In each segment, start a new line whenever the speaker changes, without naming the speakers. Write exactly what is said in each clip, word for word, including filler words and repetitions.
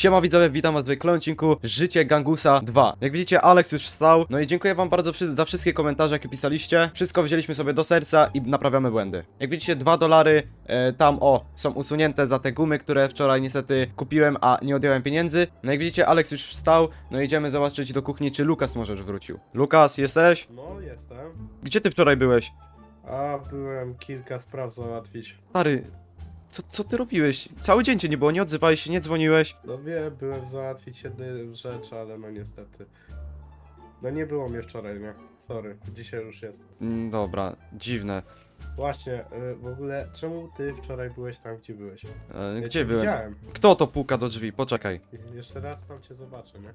Siema widzowie, witam was w kolejnym odcinku Życie Gangusa dwa. Jak widzicie, Alex już wstał. No i dziękuję wam bardzo wszy za wszystkie komentarze, jakie pisaliście. Wszystko wzięliśmy sobie do serca i naprawiamy błędy. Jak widzicie, dwa dolary e, tam, o, są usunięte za te gumy, które wczoraj niestety kupiłem, a nie odjąłem pieniędzy. No jak widzicie, Alex już wstał. No idziemy zobaczyć do kuchni, czy Lukas może już wrócił. Lukas, jesteś?
No, jestem.
Gdzie ty wczoraj byłeś?
A, byłem kilka spraw załatwić.
Stary, co, co ty robiłeś? Cały dzień cię nie było, nie odzywałeś się, nie dzwoniłeś.
No wiem, byłem załatwić jedną rzecz, ale no niestety. No nie było mnie wczoraj, nie? Sorry, dzisiaj już jest.
Mm, Dobra, dziwne.
Właśnie, y, w ogóle, czemu ty wczoraj byłeś tam, gdzie byłeś?
E,
Ja
gdzie
cię
byłem?
Widziałem.
Kto to puka do drzwi? Poczekaj.
I- Jeszcze raz tam cię zobaczę, nie?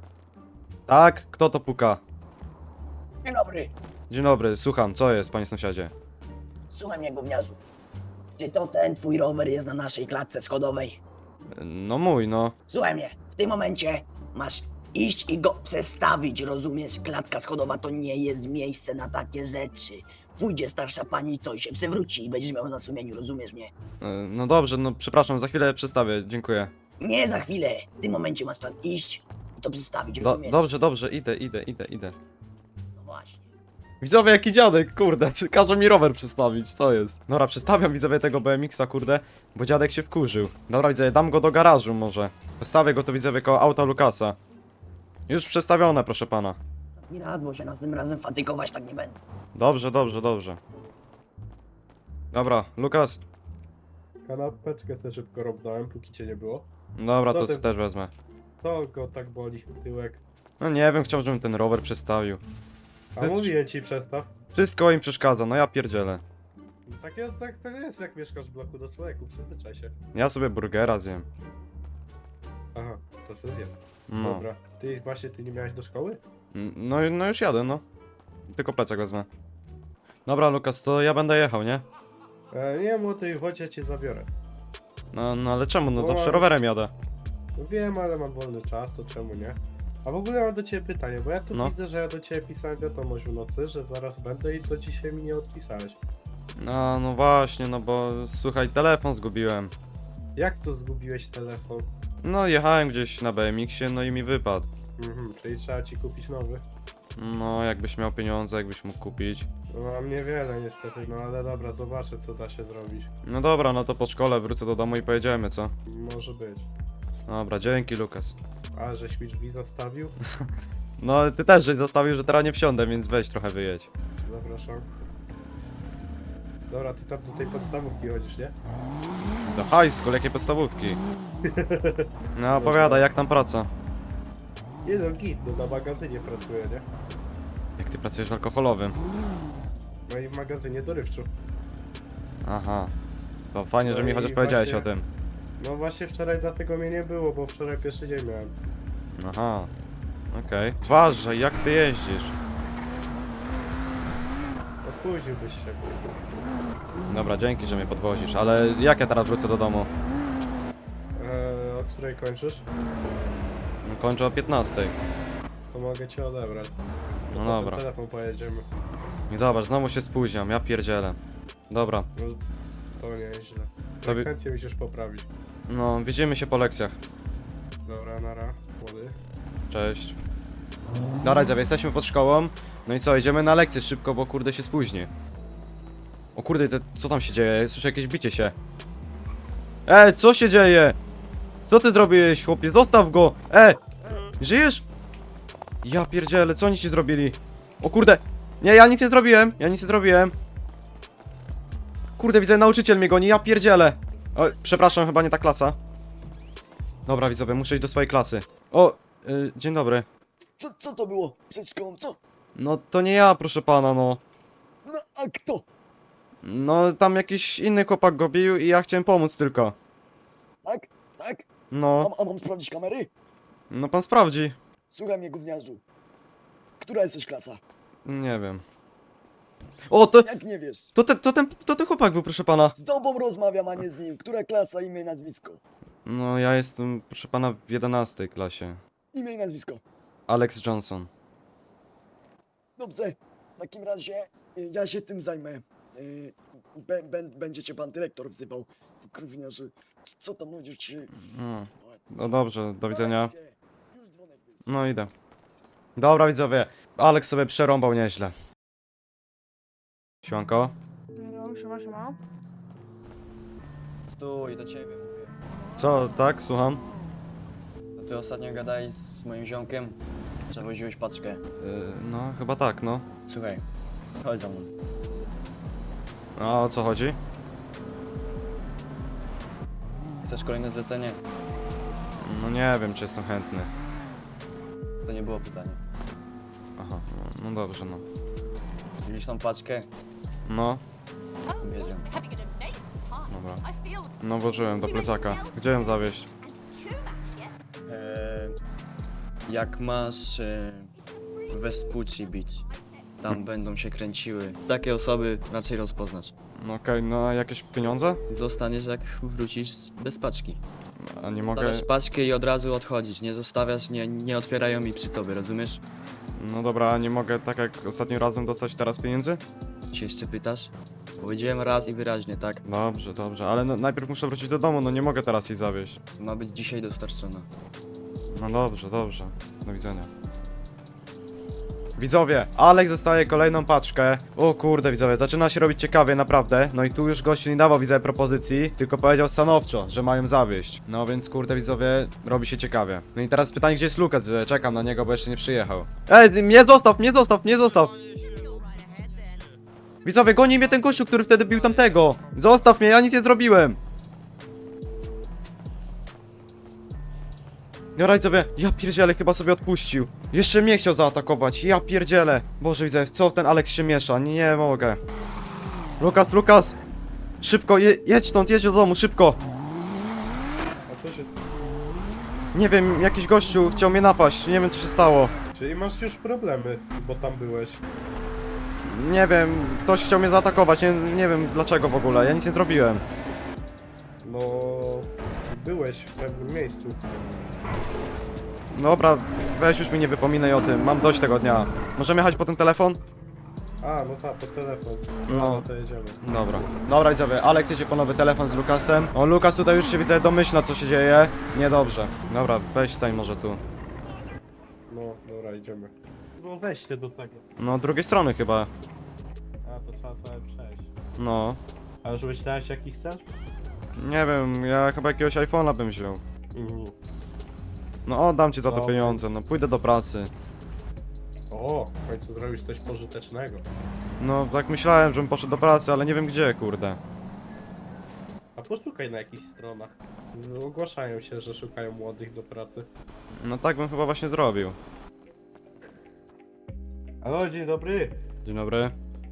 Tak? Kto to puka?
Dzień dobry,
Dzień dobry, słucham, co jest, panie sąsiadzie?
słuchaj mnie gówniarzu. Czy to ten twój rower jest na naszej klatce schodowej?
No mój, no.
Słuchaj mnie, w tym momencie masz iść i go przestawić, rozumiesz? Klatka schodowa to nie jest miejsce na takie rzeczy. Pójdzie starsza pani, co i się przewróci i będziesz miał na sumieniu, rozumiesz mnie?
E, No dobrze, no przepraszam, za chwilę przestawię, dziękuję.
Nie za chwilę, w tym momencie masz tam iść i to przestawić,
Do,
rozumiesz?
dobrze, dobrze, idę, idę, idę, idę.
No właśnie.
Widzowie, jaki dziadek, kurde, każe mi rower przestawić, co jest? Dobra, przestawiam widzowie tego B M X-a, kurde, bo dziadek się wkurzył. Dobra, widzowie, dam go do garażu może. Postawię go tu, widzowie, koło auta Lukasa. Już przestawione, proszę pana.
Nie raz, bo się następnym razem fatygować tak nie będę.
Dobrze, dobrze, dobrze. Dobra, Lukas.
Kanapeczkę sobie szybko robnąłem, póki cię nie było.
Dobra, to
No ty-
też wezmę.
To go tak boli, tyłek.
No nie wiem, chciałbym, żebym ten rower przestawił.
A mówiłem ci przestaw.
Wszystko im przeszkadza, no ja pierdzielę.
Tak, tak, tak jest, jak mieszkasz w bloku do człowieku, przyzwyczaj się.
Ja sobie burgera zjem.
Aha, to sobie zjedz.
No.
Dobra. Ty właśnie, ty nie miałeś do szkoły?
N- No, no już jadę, no. Tylko plecak wezmę. Dobra, Lukas, to ja będę jechał, nie?
E, nie, młody, chodź, ja cię zabiorę.
No, no ale czemu? No
No,
zawsze
ale-
rowerem jadę.
No wiem, ale mam wolny czas, to czemu nie? A w ogóle mam do ciebie pytanie, bo ja tu
No.
widzę, że ja do ciebie pisałem wiadomość w nocy, że zaraz będę i do dzisiaj mi nie odpisałeś.
No, no właśnie, no bo słuchaj, telefon zgubiłem.
Jak to zgubiłeś telefon?
No, jechałem gdzieś na B M X-ie, no i mi wypadł.
Mhm, czyli trzeba ci kupić nowy.
No, jakbyś miał pieniądze, jakbyś mógł kupić.
No mam niewiele niestety, no ale dobra, zobaczę co da się zrobić.
No dobra, no to po szkole wrócę do domu i pojedziemy, co?
Może być.
Dobra, dzięki, Lukas.
A, żeś mi drzwi zastawił?
No, ty też żeś zostawił, że teraz nie wsiądę, więc weź trochę wyjedź.
Zapraszam. Dobra, ty tam do tej podstawówki chodzisz, nie?
Do high school, jakie podstawówki? No, opowiadaj, jak tam praca?
Nie no, git, no na magazynie pracuję, nie?
Jak ty pracujesz w alkoholowym?
No i w magazynie dorywczu.
Aha. To fajnie, że
No
mi
i
chociaż powiedziałeś
właśnie-
o tym.
No właśnie wczoraj dlatego mnie nie było, bo wczoraj pierwszy dzień miałem.
Aha. Okej. Uważaj, jak ty jeździsz?
No spóźniłbyś się.
Dobra, dzięki, że mnie podwozisz, ale jak ja teraz wrócę do domu?
Eee, od której kończysz?
No, kończę o piętnastej.
To mogę cię odebrać.
No
Po
dobra.
ten telefon pojedziemy.
I zobacz, znowu się spóźniam, ja pierdzielę. Dobra,
No, to nie jest źle.
To wi-
Frekwencję musisz poprawić.
no widzimy się po lekcjach.
Dobra, nara, młody.
Cześć. Dobra, widzowie, jesteśmy pod szkołą. No i co, idziemy na lekcję szybko, bo kurde się spóźni. O kurde, te, co tam się dzieje? Słyszę jakieś bicie się. E, co się dzieje? Co ty zrobiłeś, chłopie? Zostaw go! E! Żyjesz? Ja pierdzielę, co oni ci zrobili? O kurde! Nie, ja nic nie zrobiłem, ja nic nie zrobiłem. Kurde, widzę, nauczyciel mnie goni, ja pierdzielę. O, przepraszam, chyba nie ta klasa. Dobra, widzowie, muszę iść do swojej klasy. O, y, dzień dobry.
Co, co to było przed szkołą, co?
No to nie ja, proszę pana, no.
No a kto?
No tam jakiś inny chłopak go bił i ja chciałem pomóc tylko.
Tak? Tak?
No,
Mam, a mam sprawdzić kamery?
no pan sprawdzi.
Słuchaj mnie, gówniarzu. Która jesteś klasa?
Nie wiem. O, to,
Jak nie wiesz?
to, ten, to, ten, to ten chłopak był, proszę pana.
Z tobą rozmawiam, a nie z nim. Która klasa, imię i nazwisko?
No ja jestem, proszę pana, w jedenastej klasie.
Imię i nazwisko.
Alex Johnson.
Dobrze. W takim razie y, ja się tym zajmę. Y, Bę- bę- Będzie cię pan dyrektor wzywał. Gówniarzu. Co tam ludzie ci...
No. No dobrze, do widzenia.
Kolekcję. Już dzwonek był.
No idę. Dobra widzowie, Alex sobie przerąbał nieźle. Siłanko?
No, siema, siema.
Stój, do ciebie mówię.
Co, tak? Słucham?
To ty ostatnio gadałeś z moim ziomkiem? Przewoziłeś paczkę.
Yy, no, chyba tak, no.
Słuchaj, chodź za mną.
A o co chodzi?
Chcesz kolejne zlecenie?
No nie wiem, czy jestem chętny.
To nie było pytanie.
Aha, no, no dobrze, no.
Widzisz tą paczkę?
No,
Wiedziałem.
dobra. No włożyłem do plecaka. Gdzie ją zawieźć?
Eee, jak masz e, Vespucci bić, tam będą się kręciły. Takie osoby raczej rozpoznasz.
No okej, no a jakieś pieniądze?
Dostaniesz jak wrócisz z- bez paczki.
A nie mogę...
Stawiasz paczkę i od razu odchodzić. Nie zostawiasz, nie, nie otwierają mi przy tobie, rozumiesz?
No dobra, a nie mogę tak jak ostatnim razem dostać teraz pieniędzy?
Się jeszcze pytasz? Powiedziałem raz i wyraźnie, tak?
Dobrze, dobrze, ale no, najpierw muszę wrócić do domu, no nie mogę teraz jej zawieźć.
Ma być dzisiaj dostarczona.
No dobrze, dobrze. Do widzenia. Widzowie, Alex dostaje kolejną paczkę. O kurde, widzowie, zaczyna się robić ciekawie, naprawdę. No i tu już gościu nie dawał, widzowie, propozycji, tylko powiedział stanowczo, że mają zawieść. No więc kurde, widzowie, robi się ciekawie. No i teraz pytanie, gdzie jest Lukas, że czekam na niego, bo jeszcze nie przyjechał. Ej, mnie zostaw, mnie zostaw, mnie zostaw! Widzowie, goni mnie ten gościu, który wtedy bił tamtego! Zostaw mnie, ja nic nie zrobiłem! Dobra, widzowie, ja pierdzielę, chyba sobie odpuścił. Jeszcze mnie chciał zaatakować, ja pierdzielę. Boże, widzę, co ten Alex się miesza, nie, nie mogę. Lukas, Lukas! Szybko, je, jedź stąd, jedź do domu, szybko!
A co się...
Nie wiem, jakiś gościu chciał mnie napaść, nie wiem co się stało.
Czyli masz już problemy, bo tam byłeś.
Nie wiem, ktoś chciał mnie zaatakować, nie, nie wiem dlaczego w ogóle, ja nic nie zrobiłem.
No... Byłeś w pewnym miejscu.
Dobra, weź już mi nie wypominaj o tym, mam dość tego dnia. Możemy jechać po ten telefon?
A, no tak, po telefon.
No.
No, to jedziemy.
Dobra. Dobra, widzowie, Alex jedzie po nowy telefon z Lukasem. O, Lukas tutaj już się, widzę, domyśla, co się dzieje. Niedobrze. Dobra, weź stań może tu.
No, dobra, idziemy. No weźcie do tego.
No, drugiej strony chyba.
A, to trzeba sobie przejść.
No.
A już myślałeś jaki chcesz?
Nie wiem, ja chyba jakiegoś iPhone'a bym wziął.
Mhm.
No, oddam ci za to
Dobra.
pieniądze, no pójdę do pracy.
O, w końcu zrobisz coś pożytecznego.
No, tak myślałem, żebym poszedł do pracy, ale nie wiem gdzie, kurde.
A poszukaj na jakichś stronach. No, ogłaszają się, że szukają młodych do pracy.
No tak bym chyba właśnie zrobił.
Halo, dzień dobry.
Dzień dobry.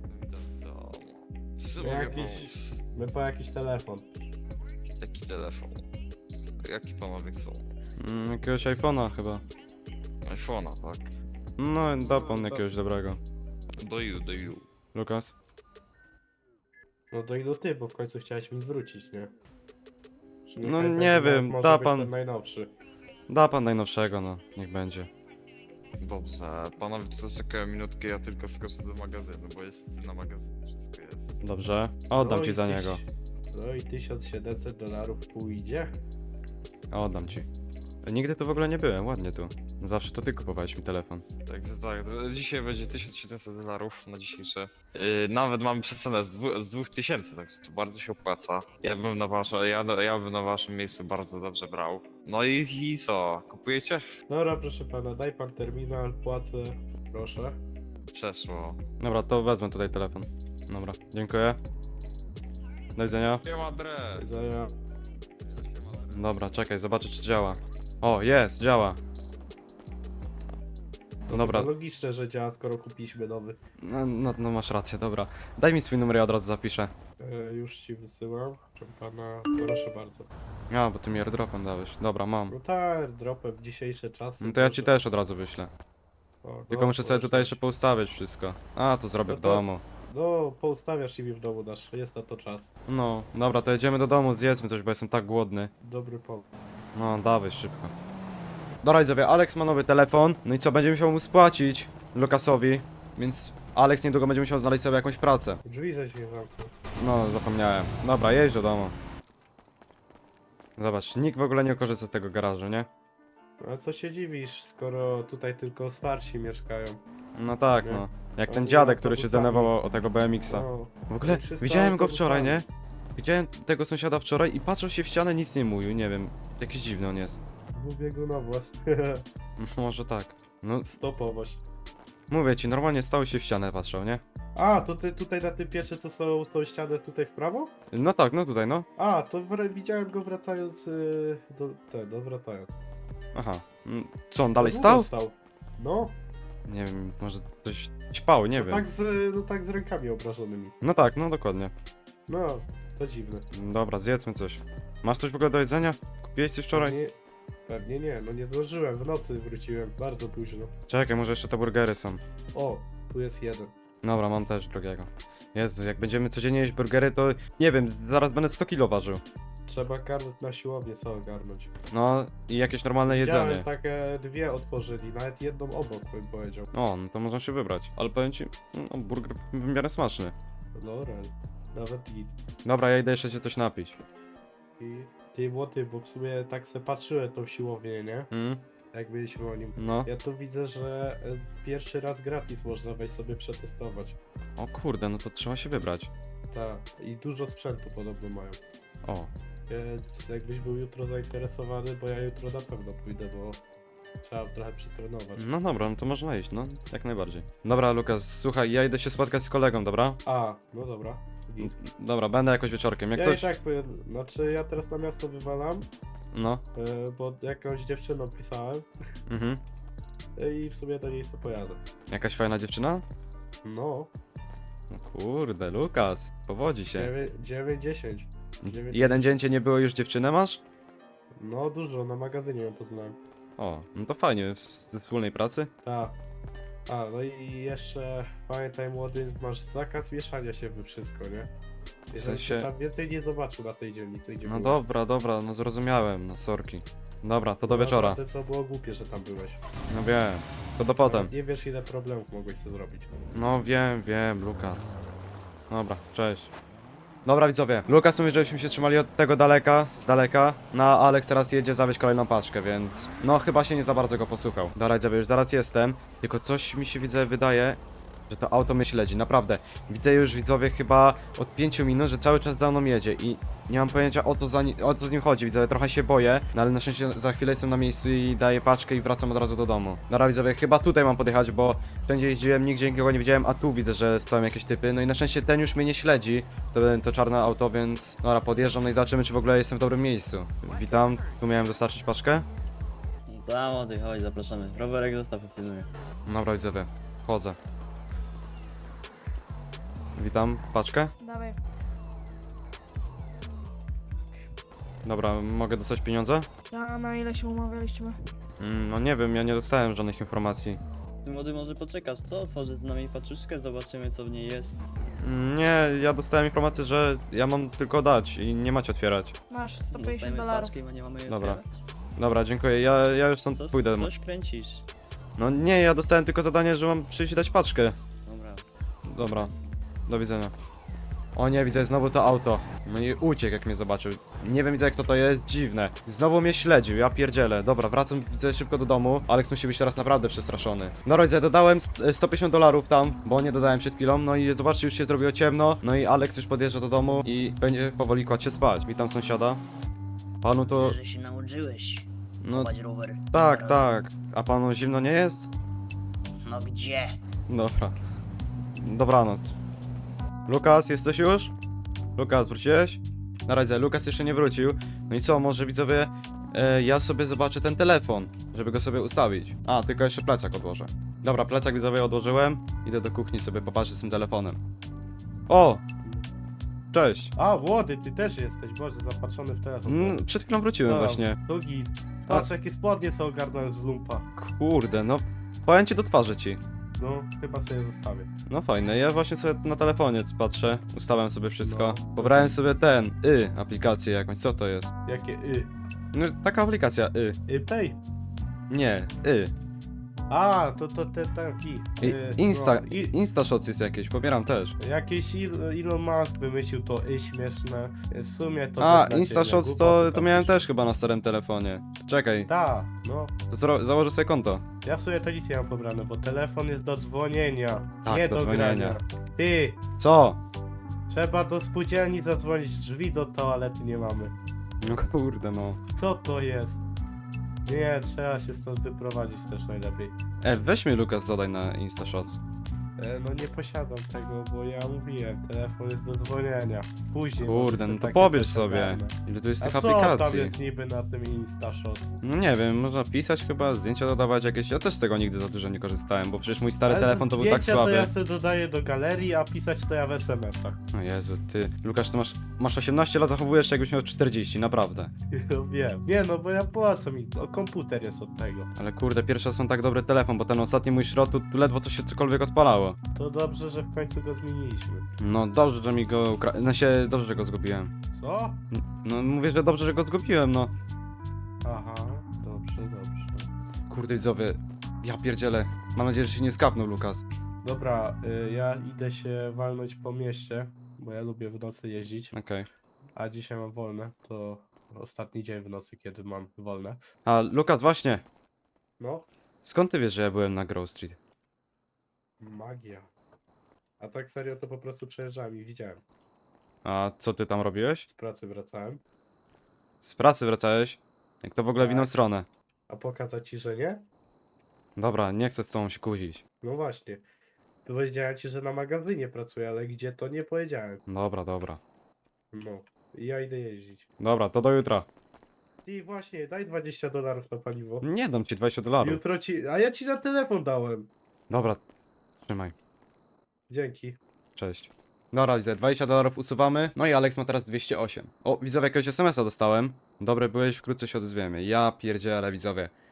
Co
My
mogę
jakiś-
pomóc?
My po jakiś telefon.
Jaki telefon? Jaki panowie chcą?
Mm, jakiegoś iPhone'a chyba.
iPhone'a, tak?
No, da pan jakiegoś dobrego.
Do ilu, do ilu?
Lukas?
No do ilu ty, bo w końcu chciałeś mi zwrócić, nie? Czy
No
niechaj
nie
będzie,
wiem,
może
da
być
pan-
ten najnowszy.
Da pan najnowszego, no, niech będzie.
Dobrze, panowie tu czekają minutkę, ja tylko wskoczę do magazynu, bo jest na magazynie, wszystko jest.
Dobrze, oddam
No
ci
i
za
tyś-
niego.
No i tysiąc siedemset dolarów pójdzie.
Oddam ci. Nigdy tu w ogóle nie byłem, ładnie tu. Zawsze to ty kupowałeś mi telefon.
Tak, to tak, to dzisiaj będzie tysiąc siedemset dolarów na dzisiejsze. Yy, nawet mamy przecenę z, dwu, z dwóch tysięcy, także to bardzo się opłaca. Ja bym na wasze, ja, ja bym na waszym miejscu bardzo dobrze brał. No i, i co, kupujecie?
Dobra, proszę pana, daj pan terminal, płacę. Proszę.
Przeszło.
Dobra, to wezmę tutaj telefon. Dobra, dziękuję. Do widzenia.
Nie ma adres.
Widzenia.
Dobra, czekaj, zobaczę czy działa. O, jest, działa.
No
Dobra.
to logiczne, że działa, skoro kupiliśmy nowy.
No, no, no masz rację, dobra. Daj mi swój numer, ja od razu zapiszę.
E, już ci wysyłam. Proszę pana, proszę bardzo.
A, bo ty mi airdropem dałeś. Dobra, mam.
No tak, dropem w dzisiejsze czasy.
No to ja
proszę.
ci też od razu wyślę.
O,
Tylko
no,
muszę sobie
proszę.
tutaj jeszcze poustawiać wszystko. A, to zrobię w
No to-
domu.
No, poustawiasz i mi w domu dasz, jest na to czas.
No, dobra, to jedziemy do domu, zjedzmy coś, bo jestem tak głodny.
Dobry pomysł.
No, dawaj szybko. Dobra, widzowie, Alex ma nowy telefon. No i co, będzie musiał mu spłacić Lukasowi, więc Alex niedługo będzie musiał znaleźć sobie jakąś pracę.
Drzwi żeś nie zamknął.
No, zapomniałem. Dobra, jedź do domu. Zobacz, nikt w ogóle nie korzysta z tego garażu, nie?
A co się dziwisz, skoro tutaj tylko starsi mieszkają?
No tak,
Nie.
no. Jak
Oni
ten dziadek,
autobusami.
który się zdenerwował o tego B M X-a.
No,
W ogóle
oni wszyscy
widziałem go wczoraj, nie?
autobusami.
Widziałem tego sąsiada wczoraj i patrzył się w ścianę, nic nie mówił, nie wiem. Jakiś dziwny on jest.
Dwubiegunowość.
Może tak. No,
Stopowość.
mówię ci, normalnie stał się w ścianę patrzał, nie?
A, to ty tutaj na tym pieczy, co są tą ścianę tutaj w prawo?
No tak, no tutaj, no.
A, to wr- widziałem go wracając yy, do... Te, no wracając.
Aha. Mm, Co, on dalej
No,
stał?
stał. No,
Nie wiem, może coś ćpał, nie
no
wiem.
tak, z, no tak z rękami obrażonymi.
No tak, no dokładnie.
No, to dziwne.
Dobra, zjedzmy coś. Masz coś w ogóle do jedzenia? Kupiłeś coś wczoraj?
Pewnie, pewnie nie, no nie zdążyłem, w nocy wróciłem, bardzo późno.
Czekaj, może jeszcze te burgery są.
O, tu jest jeden.
Dobra, mam też drugiego. Jezu, jak będziemy codziennie jeść burgery, to nie wiem, zaraz będę sto kilo ważył.
Trzeba karmić na siłownię, co ogarnąć.
No i jakieś normalne jedzenie.
Widziałem, takie dwie otworzyli, nawet jedną obok bym powiedział.
O, no to można się wybrać. Ale powiem ci, no, burger w miarę smaczny.
Dobra, nawet i...
Dobra, ja idę jeszcze się coś napić.
i ty młody, bo w sumie tak se patrzyłem tą siłownię, nie?
Mm?
Jak byliśmy o nim.
No.
Ja tu widzę, że e, pierwszy raz gratis można wejść sobie przetestować.
O kurde, no to trzeba się wybrać.
Tak, i dużo sprzętu podobno mają.
O,
Więc jakbyś był jutro zainteresowany, bo ja jutro na pewno pójdę, bo trzeba trochę przetrenować.
no dobra, no to można iść, no, jak najbardziej. Dobra, Lukas, słuchaj, ja idę się spotkać z kolegą, dobra?
A, no dobra. Git.
Dobra, będę jakoś wieczorkiem, jak
Ja
coś...
i tak powiem, znaczy ja teraz na miasto wywalam,
No,
e, bo jakąś dziewczyną pisałem
mhm.
e, i w sumie do niej sobie pojadę.
Jakaś fajna dziewczyna?
No,
No kurde, Lukas, powodzi się.
dziewięć dziesięć. dziewięć
Jeden dzień cię nie było, już dziewczynę masz?
No dużo, na magazynie ją poznałem.
O, no to fajnie, ze wspólnej pracy.
Tak. A, no i jeszcze pamiętaj młody, masz zakaz mieszania się we wszystko, nie? Jeżeli
sensie-
się tam więcej nie zobaczył na tej dzielnicy, gdzie
No
byłeś.
dobra, dobra, no zrozumiałem, no sorki. Dobra, to do
No,
wieczora.
To co było głupie, że tam byłeś.
No wiem, to do potem.
Nawet nie wiesz ile problemów mogłeś sobie zrobić.
No wiem, wiem, Lukas. Dobra, cześć. Dobra widzowie, Lukas mówi, żebyśmy się trzymali od tego daleka, z daleka. No a Alex teraz jedzie zawieźć kolejną paczkę, więc... No chyba się nie za bardzo go posłuchał. Dobra widzowie, już zaraz jestem. Tylko coś mi się widzę, wydaje, że to auto mnie śledzi, naprawdę. Widzę już widzowie chyba od pięciu minut, że cały czas za mną jedzie i nie mam pojęcia o co, za ni o co z nim chodzi, widzowie, trochę się boję, no ale na szczęście za chwilę jestem na miejscu i daję paczkę i wracam od razu do domu. Dobra widzowie, chyba tutaj mam podjechać, bo wszędzie jeździłem, nigdzie nikogo nie widziałem, a tu widzę, że stoją jakieś typy, no i na szczęście ten już mnie nie śledzi, to, to czarne auto, więc dobra, podjeżdżam, no i zobaczymy, czy w ogóle jestem w dobrym miejscu. Witam, tu miałem dostarczyć paczkę.
Tam o tej, chodź, zapraszamy. Rowerek zostaw, pilnuję.
Dobra widzowie, wchodzę. Witam, paczkę.
Dawaj.
Dobra, mogę dostać pieniądze?
Ja na ile się umawialiśmy?
Mm, no nie wiem, ja nie dostałem żadnych informacji.
Ty młody może poczekasz, co? Otworzysz z nami paczuszkę, zobaczymy co w niej jest.
Mm, Nie, ja dostałem informację, że ja mam tylko dać i nie macie otwierać.
Masz sto pięćdziesiąt
Dostajemy
dolarów.
paczkę i nie mamy jej
Dobra.
otwierać.
Dobra, dziękuję, ja, ja już stąd
Co,
pójdę.
coś kręcisz?
No nie, ja dostałem tylko zadanie, że mam przyjść i dać paczkę.
Dobra.
Dobra, do widzenia. O nie, widzę znowu to auto. No i uciekł jak mnie zobaczył. Nie wiem, widzę jak to to jest, dziwne. Znowu mnie śledził, ja pierdzielę. Dobra, wracam widzę szybko do domu. Alex musi być teraz naprawdę przestraszony. No rodzę, dodałem st- sto pięćdziesiąt dolarów tam, bo nie dodałem przed chwilą. No i zobaczcie, już się zrobiło ciemno. No i Alex już podjeżdża do domu i będzie powoli kładź się spać. Witam sąsiada. Panu to...
Że się nauczyłeś
No
chować rower.
tak, tak. A panu zimno nie jest?
No gdzie?
Dobra. Dobranoc. Lukas, jesteś już? Lukas, wróciłeś? Na razie, Lukas jeszcze nie wrócił. No i co, może widzowie, e, ja sobie zobaczę ten telefon, żeby go sobie ustawić. A, tylko jeszcze plecak odłożę. Dobra, plecak widzowie odłożyłem. Idę do kuchni sobie popatrzeć z tym telefonem. O! Cześć.
A, młody, ty też jesteś, Boże, zapatrzony w telefon.
Mm, przed chwilą wróciłem
Dobra,
właśnie.
To git. Patrz, jakie spodnie są ogarnąłem z lumpa.
Kurde, no. Powiem ci do twarzy ci.
No, chyba sobie zostawię.
No fajne, ja właśnie sobie na telefonie patrzę, ustawiam sobie wszystko.
No.
Pobrałem sobie ten, y, aplikację jakąś, co to jest?
Jakie y?
No taka aplikacja, y.
Y pay.
Nie, y.
A, to to te taki.
I,
y,
Insta,
no, i,
Instashots jest jakieś, pobieram też.
Jakiś Il- Elon Musk wymyślił to y śmieszne. W sumie to.
A,
beznadziejne,
Instashots to,
głupoty
to
tam
miałem
pisze.
też chyba na starym telefonie. Czekaj,
Tak, no.
to zro- założę sobie konto.
Ja w sumie to nic nie mam pobrane, bo telefon jest do dzwonienia.
Tak,
nie
do
do,
dzwonienia.
grania. Ty,
Co?
trzeba do spółdzielni zadzwonić, drzwi do toalety nie mamy.
No kurde no.
Co to jest? Nie, trzeba się stąd wyprowadzić też najlepiej.
E, weź mnie Lukas, dodaj na Instashots.
E, no nie posiadam tego, bo ja mówiłem, telefon jest do dzwonienia. Później.
Kurde,
może
no
sobie
to
takie
pobierz
coś
sobie.
ogarnę.
Ile tu jest
A
tych
co tam
aplikacji?
jest niby na tym InstaShots?
No nie wiem, można pisać chyba, zdjęcia dodawać jakieś. Ja też z tego nigdy za dużo nie korzystałem, bo przecież mój stary
Ale
telefon to był tak
zdjęcia
słaby.
to ja sobie dodaję do galerii, a pisać to ja w es em esach.
O Jezu, ty. Lukasz, ty masz, masz osiemnaście lat, zachowujesz się jakbyś miał czterdzieści, naprawdę.
No wiem. Nie no, bo ja po co mi, o, komputer jest od tego.
Ale kurde, pierwszy raz mam tak dobry telefon, bo ten ostatni mój szrot, tu tu ledwo coś się cokolwiek odpalało.
To dobrze, że w końcu go zmieniliśmy.
No dobrze, że mi go ukra... No się, dobrze, że go zgubiłem.
Co?
N- No mówię, że dobrze, że go zgubiłem, no.
Aha, dobrze, dobrze.
Kurde widzowie, ja pierdzielę. Mam nadzieję, że się nie skapnął Lukas.
Dobra, y, ja idę się walnąć po mieście, bo ja lubię w nocy jeździć,
Okej.
a dzisiaj mam wolne, to ostatni dzień w nocy, kiedy mam wolne.
A Lukas, właśnie,
No,
skąd ty wiesz, że ja byłem na Grove Street?
magia. A tak serio to po prostu przejeżdżałem i widziałem.
A co ty tam robiłeś?
Z pracy wracałem.
Z pracy wracałeś? Jak to w ogóle w inną
Tak.
stronę?
A pokazać ci, że nie?
Dobra, nie chcę z tobą się kłócić.
No właśnie. Powiedziałem ci, że na magazynie pracuję, ale gdzie to nie powiedziałem.
Dobra, dobra.
No. I ja idę jeździć.
Dobra, to do jutra.
I właśnie, daj dwadzieścia dolarów na paliwo.
Nie dam ci dwadzieścia dolarów.
Jutro ci... A ja ci na telefon dałem.
Dobra, trzymaj.
Dzięki.
Cześć. Dobra, widzę, dwadzieścia dolarów usuwamy. No i Alex ma teraz dwieście osiem. O, widzowie, jakiegoś es em es a dostałem. Dobry byłeś, wkrótce się odezwiemy. Ja pierdzielę, widzowie.